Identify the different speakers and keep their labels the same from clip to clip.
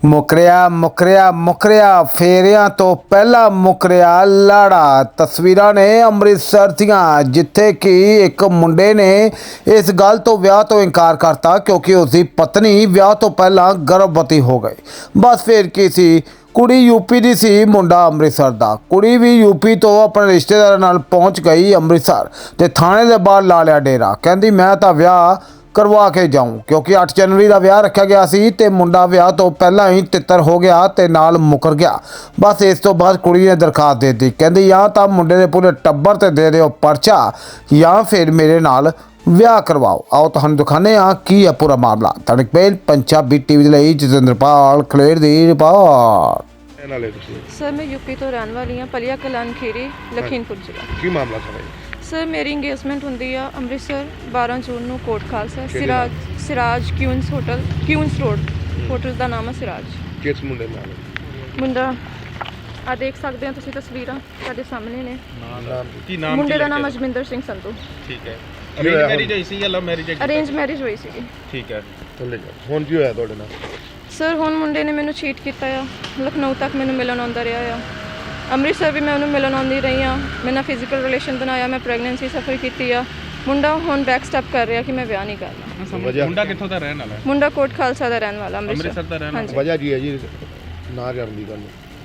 Speaker 1: ਮੁਕਰਿਆ ਫੇਰਿਆਂ ਤੋਂ ਪਹਿਲਾਂ ਮੁਕਰਿਆ ਲਾੜਾ। ਤਸਵੀਰਾਂ ਨੇ ਅੰਮ੍ਰਿਤਸਰ ਦੀਆਂ, ਜਿੱਥੇ ਕਿ ਇੱਕ ਮੁੰਡੇ ਨੇ ਇਸ ਗੱਲ ਤੋਂ ਵਿਆਹ ਤੋਂ ਇਨਕਾਰ ਕਰਤਾ ਕਿਉਂਕਿ ਉਸਦੀ ਪਤਨੀ ਵਿਆਹ ਤੋਂ ਪਹਿਲਾਂ ਗਰਭਵਤੀ ਹੋ ਗਈ। ਬਸ ਫਿਰ ਕੀ ਸੀ, ਕੁੜੀ ਯੂਪੀ ਦੀ ਸੀ, ਮੁੰਡਾ ਅੰਮ੍ਰਿਤਸਰ ਦਾ। ਕੁੜੀ ਵੀ ਯੂਪੀ ਤੋਂ ਆਪਣੇ ਰਿਸ਼ਤੇਦਾਰਾਂ ਨਾਲ ਪਹੁੰਚ ਗਈ ਅੰਮ੍ਰਿਤਸਰ ਤੇ ਥਾਣੇ ਦੇ ਬਾਹਰ ਲਾ ਲਿਆ ਡੇਰਾ। ਕਹਿੰਦੀ ਮੈਂ ਤਾਂ ਵਿਆਹ ਕਰਵਾ ਕੇ ਜਾऊं क्योंकि 8 जनवरी का विआह रखा गया सी ते मुंडा विआह तो पहला ही तितर हो गया ते नाल मुकर गया। बस इस तो बाद कुड़ी ने दरखास्त दे दी, कहती या तो मुंडे दे पूरे टब्बर ते दे दिओ परचा या फिर मेरे नाल विआह करवाओ। आओ तुहानूं दिखाने की है पूरा मामला। तड़कपेल पंजाबी टीवी दे लई जतिंद्रपाल खलेर दी रिपोर्ट।
Speaker 2: सर मैं यूपी तो रहने वाली हाँ, पलिया कलान खीरी लखीमपुर जिला।
Speaker 3: की मामला सर?
Speaker 2: सर मेरी इंगेजमेंट ਹੁੰਦੀ ਆ ਅੰਮ੍ਰਿਤਸਰ 12 ਜੂਨ ਨੂੰ Kot Khalsa Siraj Queens hotel, Queens road hotel ਦਾ ਨਾਮ ਹੈ ਸਿਰਾਜ।
Speaker 3: ਕਿਸ ਮੁੰਡੇ ਨਾਲ?
Speaker 2: ਮੁੰਡਾ ਆ ਦੇਖ ਸਕਦੇ ਹੋ ਤੁਸੀਂ, ਤਸਵੀਰਾਂ ਤੁਹਾਡੇ ਸਾਹਮਣੇ ਨੇ।
Speaker 3: ਨਾਮ
Speaker 2: ਮੁੰਡੇ ਦਾ ਨਾਮ ਅਜਮਿੰਦਰ ਸਿੰਘ ਸੰਧੂ।
Speaker 3: ਠੀਕ ਹੈ। ਅਰੇਂਜ ਮੈਰਿਜ ਹੋਈ ਸੀ ਜਾਂ ਲਵ ਮੈਰਿਜ?
Speaker 2: ਅਰੇਂਜ ਮੈਰਿਜ ਹੋਈ ਸੀ।
Speaker 3: ਠੀਕ ਹੈ। ਚੱਲੇ ਜਾ। ਹੁਣ ਕੀ ਹੋਇਆ ਤੁਹਾਡੇ ਨਾਲ?
Speaker 2: ਸਰ ਹੁਣ ਮੁੰਡੇ ਨੇ ਮੈਨੂੰ ਚੀਟ ਕੀਤਾ ਆ। ਲਖਨਊ ਤੱਕ ਮੈਨੂੰ ਮਿਲਣ ਆਉਂਦਾ ਰਿਹਾ ਆ। ਅੰਮ੍ਰਿਤਸਰ ਵੀ ਮੈਂ ਉਹਨੂੰ ਮਿਲਣ ਆਉਂਦੀ ਰਹੀ ਹਾਂ। ਮੈਂ ਨਾਲ ਫਿਜ਼ੀਕਲ ਰਿਲੇਸ਼ਨ ਬਣਾਇਆ, ਮੈਂ ਪ੍ਰੈਗਨੈਂਸੀ ਸਫਰ ਕੀਤੀ ਆ। ਮੁੰਡਾ ਹੁਣ ਬੈਕ ਸਟੈਪ ਕਰ ਰਿਹਾ ਕਿ ਮੈਂ ਵਿਆਹ ਨਹੀਂ ਕਰਨਾ।
Speaker 3: ਮੁੰਡਾ ਕਿੱਥੋਂ ਦਾ ਰਹਿਣ ਵਾਲਾ ਹੈ?
Speaker 2: ਮੁੰਡਾ ਕੋਟ ਖਾਲਸਾ ਦਾ ਰਹਿਣ ਵਾਲਾ,
Speaker 3: ਅੰਮ੍ਰਿਤਸਰ ਦਾ ਰਹਿਣ ਵਾਲਾ। ਵਜ੍ਹਾ ਕੀ ਹੈ ਜੀ ਨਾ ਕਰਨ ਦੀ ਗੱਲ?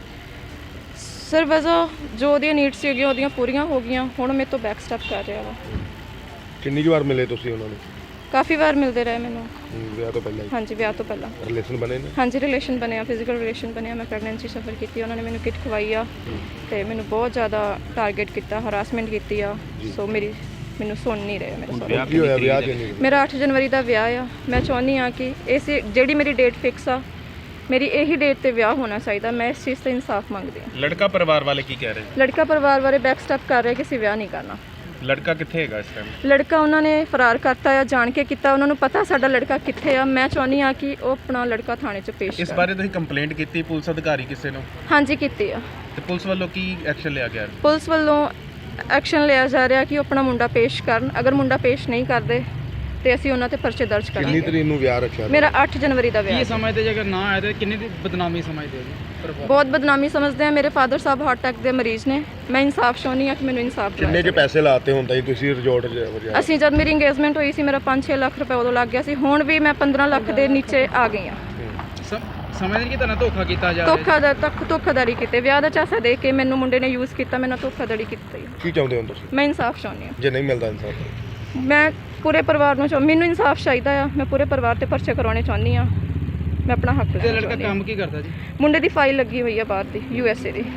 Speaker 2: ਸਰ ਵਜ੍ਹਾ ਜੋ ਉਹਦੀਆਂ ਨੀਡਸ ਸੀਗੀਆਂ ਉਹਦੀਆਂ ਪੂਰੀਆਂ ਹੋ ਗਈਆਂ, ਹੁਣ ਮੇਰੇ ਤੋਂ ਬੈਕ ਸਟੈਪ ਕਰ ਰਿਹਾ ਵਾ।
Speaker 3: ਕਿੰਨੀ ਵਾਰ ਮਿਲੇ ਤੁਸੀਂ ਉਹਨਾਂ ਨੂੰ?
Speaker 2: ਕਾਫੀ ਵਾਰ ਮਿਲਦੇ ਰਹੇ ਮੈਨੂੰ।
Speaker 3: ਵਿਆਹ ਤੋਂ ਪਹਿਲਾਂ?
Speaker 2: ਹਾਂਜੀ ਵਿਆਹ ਤੋਂ ਪਹਿਲਾਂ।
Speaker 3: ਰਿਲੇਸ਼ਨ ਬਣੇ ਨੇ? ਹਾਂਜੀ
Speaker 2: ਰਿਲੇਸ਼ਨ ਬਣਿਆ, ਫਿਜ਼ੀਕਲ ਰਿਲੇਸ਼ਨ ਬਣਿਆ। ਮੈਂ ਪ੍ਰੈਗਨੈਂਸੀ ਸਫਰ ਕੀਤੀ, ਉਹਨਾਂ ਨੇ ਮੈਨੂੰ ਕਿਟ ਖਵਾਈ ਆ ਤੇ ਮੈਨੂੰ ਬਹੁਤ ਜ਼ਿਆਦਾ ਟਾਰਗੇਟ ਕੀਤਾ, ਹਰਾਸਮੈਂਟ ਕੀਤੀ ਆ। ਸੋ ਮੈਨੂੰ ਸੁਣ ਨਹੀਂ ਰਹੇ ਮੇਰੇ ਸਾਰੇ।
Speaker 3: ਕੀ ਹੋਇਆ ਵਿਆਹ ਕਿੰਨੀ?
Speaker 2: ਮੇਰਾ 8 ਜਨਵਰੀ ਦਾ ਵਿਆਹ ਆ। ਮੈਂ ਚਾਹੁੰਦੀ ਆ ਕਿ ਇਸ ਜਿਹੜੀ ਮੇਰੀ ਡੇਟ ਫਿਕਸ ਆ, ਮੇਰੀ ਇਹੀ ਡੇਟ ਤੇ ਵਿਆਹ ਹੋਣਾ ਚਾਹੀਦਾ। ਮੈਂ ਇਸ ਚੀਜ਼ ਤੇ ਇਨਸਾਫ ਮੰਗਦੀ ਹਾਂ।
Speaker 3: ਲੜਕਾ ਪਰਿਵਾਰ ਵਾਲੇ ਕੀ ਕਹਿ ਰਹੇ?
Speaker 2: ਲੜਕਾ ਪਰਿਵਾਰ ਵਾਲੇ ਬੈਕ ਸਟੈਪ ਕਰ ਰਹੇ ਕਿ ਅਸੀਂ ਵਿਆਹ ਨਹੀਂ ਕਰਨਾ।
Speaker 3: ਲੜਕਾ ਕਿੱਥੇ ਹੈਗਾ ਇਸ ਟਾਈਮ?
Speaker 2: ਲੜਕਾ ਉਹਨਾਂ ਨੇ ਫਰਾਰ ਕਰਤਾ ਆ, ਜਾਣ ਕੇ ਕੀਤਾ। ਉਹਨਾਂ ਨੂੰ ਪਤਾ ਸਾਡਾ ਲੜਕਾ ਕਿੱਥੇ ਆ। ਮੈਂ ਚਾਹੁੰਦੀ ਆ ਕਿ ਉਹ ਆਪਣਾ ਲੜਕਾ ਥਾਣੇ 'ਚ ਪੇਸ਼
Speaker 3: ਇਸ ਬਾਰੇ ਤੁਸੀਂ ਕੰਪਲੇਂਟ ਕੀਤੀ ਪੁਲਿਸ ਅਧਿਕਾਰੀ ਕਿਸੇ ਨੂੰ?
Speaker 2: ਹਾਂਜੀ ਕੀਤੀ ਆ।
Speaker 3: ਤੇ ਪੁਲਿਸ ਵੱਲੋਂ ਕੀ ਐਕਸ਼ਨ ਲਿਆ ਗਿਆ?
Speaker 2: ਪੁਲਿਸ ਵੱਲੋਂ ਐਕਸ਼ਨ ਲਿਆ ਜਾ ਰਿਹਾ ਕਿ ਉਹ ਆਪਣਾ ਮੁੰਡਾ ਪੇਸ਼ ਕਰਨ। ਅਗਰ ਮੁੰਡਾ ਪੇਸ਼ ਨਹੀਂ ਕਰਦੇ ਤੇ ਅਸੀਂ ਉਹਨਾਂ ਤੇ ਪਰਚੇ ਦਰਜ ਕਰਾਂਗੇ।
Speaker 3: ਕਿੰਨੀ ਤਰੀਕ ਨੂੰ ਵਿਆਹ ਰੱਖਿਆ?
Speaker 2: ਮੇਰਾ 8 ਜਨਵਰੀ ਦਾ ਵਿਆਹ।
Speaker 4: ਕੀ ਸਮਝਦੇ ਜੇ ਅਗਰ ਨਾ ਆਏ ਤਾਂ ਕਿੰਨੀ ਦੀ ਬਦਨਾਮੀ ਸਮਝਦੇ ਹੋ ਜੀ?
Speaker 2: ਬਹੁਤ ਬਦਨਾਮੀ ਸਮਝਦੇ ਆ। ਮੇਰੇ ਫਾਦਰ ਸਾਹਿਬ ਹਾਰਟ ਅਟੈਕ ਦੇ ਮਰੀਜ਼ ਨੇ। ਮੈਂ ਇਨਸਾਫ ਚਾਹੁੰਦੀ ਆ ਕਿ ਮੈਨੂੰ ਇਨਸਾਫ ਦਿਵਾਇਆ।
Speaker 3: ਕਿੰਨੇ ਕੇ ਪੈਸੇ ਲਾਤੇ ਹੁੰਦਾ ਜੀ ਤੁਸੀਂ ਰਿਜ਼ੋਰਟ 'ਚ?
Speaker 2: ਅਸੀਂ ਜਦ ਮੇਰੀ ਇੰਗੇਜਮੈਂਟ ਹੋਈ ਸੀ ਮੇਰਾ 5-6 ਲੱਖ ਰੁਪਏ ਉਦੋਂ ਲੱਗ ਗਿਆ ਸੀ। ਹੁਣ ਵੀ ਮੈਂ 15 ਲੱਖ ਦੇ ਨੀਚੇ ਆ ਗਈ ਆ।
Speaker 4: ਸਮਝਦੇ ਕਿ ਤੁਹਾਨੂੰ ਧੋਖਾ ਕੀਤਾ ਜਾ
Speaker 2: ਰਿਹਾ? ਧੋਖਾਧੜੀ ਕੀਤੇ, ਵਿਆਹ ਦਾ ਚਾਸਾ ਦੇ ਕੇ ਮੈਨੂੰ ਮੁੰਡੇ ਨੇ ਯੂਜ਼ ਕੀਤਾ, ਮੈਨੂੰ ਧੋਖਾਧੜੀ ਕੀਤੀ।
Speaker 3: ਕੀ ਚਾਹੁੰਦੇ ਹੋ ਤੁਸੀਂ?
Speaker 2: ਮੈਂ ਇਨਸਾਫ ਚਾਹੁੰਦੀ ਆ।
Speaker 3: ਜੇ ਨਹੀਂ ਮਿਲਦਾ ਇਨਸਾਫ?
Speaker 2: ਮੈਂ ਪੂਰੇ ਪਰਿਵਾਰ ਨੂੰ ਮੈਨੂੰ ਇਨਸਾਫ ਚਾਹੀਦਾ ਆ। ਮੈਂ ਪੂਰੇ ਪਰਿਵਾਰ ਤੇ ਪਰਚੇ ਕਰਾਉਣੇ ਚਾਹੁੰਦੀ ਆ। ਮੈਂ ਆਪਣਾ ਹੱਕ ਲੈਣਾ।
Speaker 4: ਲੜਕਾ ਕੰਮ ਕੀ ਕਰਦਾ ਜੀ?
Speaker 2: ਮੁੰਡੇ ਦੀ ਫਾਈਲ ਲੱਗੀ ਹੋਈ ਆ ਬਾਹਰ ਦੀ, USA ਦੀ।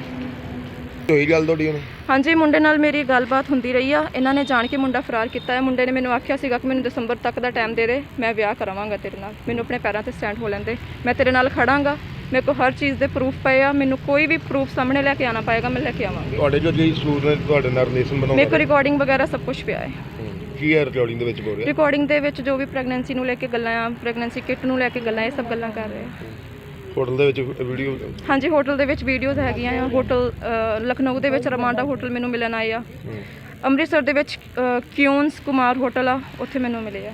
Speaker 3: ਹੋਈ ਗੱਲ ਤੁਹਾਡੀ ਹੁਣ?
Speaker 2: ਹਾਂਜੀ ਮੁੰਡੇ ਨਾਲ ਮੇਰੀ ਗੱਲਬਾਤ ਹੁੰਦੀ ਰਹੀ ਆ। ਇਹਨਾਂ ਨੇ ਜਾਣ ਕੇ ਮੁੰਡਾ ਫਰਾਰ ਕੀਤਾ ਹੈ। ਮੁੰਡੇ ਨੇ ਮੈਨੂੰ ਆਖਿਆ ਸੀਗਾ ਕਿ ਮੈਨੂੰ ਦਸੰਬਰ ਤੱਕ ਦਾ ਟਾਈਮ ਦੇ ਦੇ, ਮੈਂ ਵਿਆਹ ਕਰਾਵਾਂਗਾ ਤੇਰੇ ਨਾਲ। ਮੈਨੂੰ ਆਪਣੇ ਪੈਰਾਂ ਤੇ ਸਟੈਂਡ ਹੋ ਲੈਂਦੇ, ਮੈਂ ਤੇਰੇ ਨਾਲ ਖੜਾਂਗਾ। ਮੇਰੇ ਕੋਲ ਹਰ ਚੀਜ਼ ਦੇ ਪ੍ਰੂਫ ਪਏ ਆ। ਮੈਨੂੰ ਕੋਈ ਵੀ ਪ੍ਰੂਫ ਸਾਹਮਣੇ ਲੈ ਕੇ ਆਉਣਾ ਪਏਗਾ, ਮੈਂ ਲੈ ਕੇ ਆਵਾਂਗੀ।
Speaker 3: ਤੁਹਾਡੇ ਜੋ ਜੀ ਸੂਰ ਨੇ ਤੁਹਾਡੇ ਨਾਲ ਰਿਲੇਸ਼ਨ ਬਣਾਉਣਾ?
Speaker 2: ਮੇਰੇ ਕੋਲ ਰਿਕਾਰਡਿੰਗ ਵਗੈਰਾ ਸਭ ਕੁਝ ਪਿਆ ਹੈ।
Speaker 3: ਕੀ ਹੈ ਰਿਕਾਰਡਿੰਗ ਦੇ ਵਿੱਚ ਬੋਲ ਰਿਹਾ?
Speaker 2: ਰਿਕਾਰਡਿੰਗ ਦੇ ਵਿੱਚ ਜੋ ਵੀ ਪ੍ਰੈਗਨੈਂਸੀ ਨੂੰ ਲੈ ਕੇ ਗੱਲਾਂ ਆ, ਪ੍ਰੈਗਨੈਂਸੀ ਕਿਟ ਨੂੰ ਲੈ ਕੇ ਗੱਲਾਂ, ਇਹ ਸਭ ਗੱਲਾਂ ਕਰ ਰਹੇ ਆ।
Speaker 3: ਹੋਟਲ ਦੇ ਵਿੱਚ ਵੀਡੀਓ?
Speaker 2: ਹਾਂਜੀ ਹੋਟਲ ਦੇ ਵਿੱਚ ਵੀਡੀਓਜ਼ ਹੈਗੀਆਂ ਆ। ਹੋਟਲ ਲਖਨਊ ਦੇ ਵਿੱਚ ਰਮਾਂਡਾ ਹੋਟਲ ਮੈਨੂੰ ਮਿਲਣ ਆਏ ਆ। ਅੰਮ੍ਰਿਤਸਰ ਦੇ ਵਿੱਚ ਕਿਊਨਸ ਕੁਮਾਰ ਹੋਟਲ ਆ, ਉੱਥੇ ਮੈਨੂੰ ਮਿਲੇ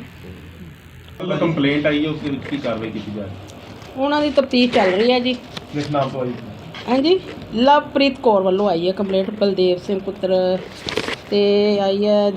Speaker 2: ਆ।
Speaker 3: ਕੰਪਲੇਂਟ ਆਈ ਹੈ, ਉਸ ਦੇ ਵਿੱਚ ਕੀ ਕਾਰਵਾਈ ਕੀਤੀ ਜਾ ਰਹੀ ਹੈ?
Speaker 5: ਉਹਨਾਂ ਦੀ ਤਫਤੀਸ਼ ਚੱਲ ਰਹੀ ਹੈ ਜੀ।
Speaker 3: ਕਿਸ ਨਾਮ ਤੋਂ ਆਈ?
Speaker 5: ਹਾਂਜੀ ਲਵਪ੍ਰੀਤ ਕੌਰ ਵੱਲੋਂ ਆਈ ਹੈ ਕੰਪਲੇਂਟ। ਬਲਦੇਵ ਸਿੰਘ ਪੁੱਤਰ ਤੇ ਆਈ ਹੈ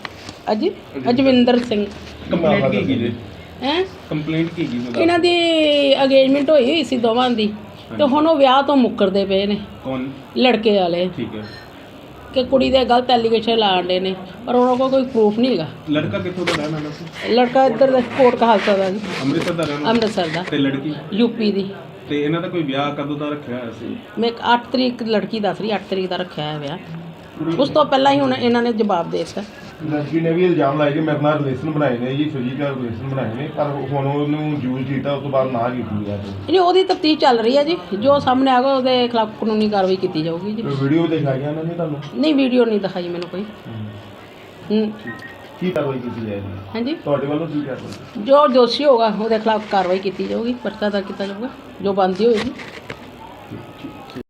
Speaker 5: ਅਜਵਿੰਦਰ ਸਿੰਘ।
Speaker 3: ਕੰਪਲੇਂਟ ਕੀ ਜੀ?
Speaker 5: ਹੈ
Speaker 3: ਕੰਪਲੇਂਟ ਕੀ ਜੀ?
Speaker 5: ਇਹਨਾਂ ਦੀ ਅਗੇਜਮੈਂਟ ਹੋਈ ਸੀ ਦੋਵਾਂ ਦੀ, ਤੇ ਹੁਣ ਉਹ ਵਿਆਹ ਤੋਂ ਮੁੱਕਰਦੇ ਪਏ ਨੇ।
Speaker 3: ਕੌਣ?
Speaker 5: ਲੜਕੇ ਵਾਲੇ।
Speaker 3: ਠੀਕ ਹੈ।
Speaker 5: ਕਿ ਕੁੜੀ ਦੇ ਗਲਤ ਐਲੀਗੇਸ਼ਨ ਲਾਉਂਦੇ ਨੇ, ਪਰ ਉਹਨਾਂ ਕੋਲ ਕੋਈ ਪ੍ਰੂਫ ਨਹੀਂ ਹੈਗਾ।
Speaker 3: ਲੜਕਾ ਕਿੱਥੋਂ ਦਾ ਰਹਿਣ ਵਾਲਾ ਸੀ?
Speaker 5: ਲੜਕਾ ਇੱਧਰ ਦਾ ਕੋਟ ਕਹਾਲਸਾ ਦਾ ਜੀ,
Speaker 3: ਅੰਮ੍ਰਿਤਸਰ ਦਾ ਰਹਿਣ ਵਾਲਾ?
Speaker 5: ਅੰਮ੍ਰਿਤਸਰ ਦਾ।
Speaker 3: ਤੇ ਲੜਕੀ?
Speaker 5: ਯੂਪੀ ਦੀ।
Speaker 3: ਤੇ ਇਹਨਾਂ ਦਾ ਕੋਈ ਵਿਆਹ ਕਦੋਂ ਦਾ ਰੱਖਿਆ ਹੋਇਆ ਸੀ?
Speaker 5: ਮੈਂ 8 ਤਰੀਕ ਲੜਕੀ ਦੱਸ ਰਹੀ, 8 ਤਰੀਕ ਦਾ ਰੱਖਿਆ ਹੈ ਵਿਆਹ। ਉਸ ਤੋਂ ਪਹਿਲਾਂ ਹੀ ਹੁਣ ਇਹਨਾਂ ਨੇ ਜਵਾਬ ਦੇ ਦਿੱਤਾ।
Speaker 6: ਲੜਕੀ ਨੇ ਵੀ ਇਲਜ਼ਾਮ ਲਾਇਆ ਕਿ ਮੇਰੇ ਨਾਲ ਰਿਲੇਸ਼ਨ ਬਣਾਏ ਨੇ ਜੀ, ਫਿਜ਼ੀਕਲ ਰਿਲੇਸ਼ਨ ਬਣਾਏ ਨੇ, ਪਰ ਹੁਣ ਉਹਨੂੰ ਯੂਜ਼ ਕੀਤਾ, ਉਸ ਤੋਂ ਬਾਅਦ ਨਾ ਕੀਤੀ ਗਿਆ।
Speaker 5: ਨਹੀਂ ਉਹਦੀ ਤਫਤੀਸ਼ ਚੱਲ ਰਹੀ ਹੈ ਜੀ। ਜੋ ਸਾਹਮਣੇ ਆਗਾ ਉਹਦੇ ਖਿਲਾਫ ਕਾਨੂੰਨੀ ਕਾਰਵਾਈ ਕੀਤੀ ਜਾਊਗੀ ਜੀ।
Speaker 6: ਵੀਡੀਓ ਦਿਖਾਈਆਂ ਉਹਨਾਂ ਨੇ ਤੁਹਾਨੂੰ?
Speaker 5: ਨਹੀਂ ਵੀਡੀਓ ਨਹੀਂ ਦਿਖਾਈ ਮੈਨੂੰ ਕੋਈ।
Speaker 6: ਕੀ ਕਾਰਵਾਈ ਕੀਤੀ ਜਾਏਗੀ?
Speaker 5: ਹਾਂਜੀ
Speaker 6: ਤੁਹਾਡੇ ਵੱਲੋਂ ਕੀ ਕਾਰਵਾਈ?
Speaker 5: ਜੋ ਦੋਸ਼ੀ ਹੋਗਾ ਉਹਦੇ ਖਿਲਾਫ ਕਾਰਵਾਈ ਕੀਤੀ ਜਾਊਗੀ, ਪਰਚਾ ਦਰਜ ਕੀਤਾ ਜਾਊਗਾ, ਜੋ ਬਣਦੀ ਹੋਏਗੀ।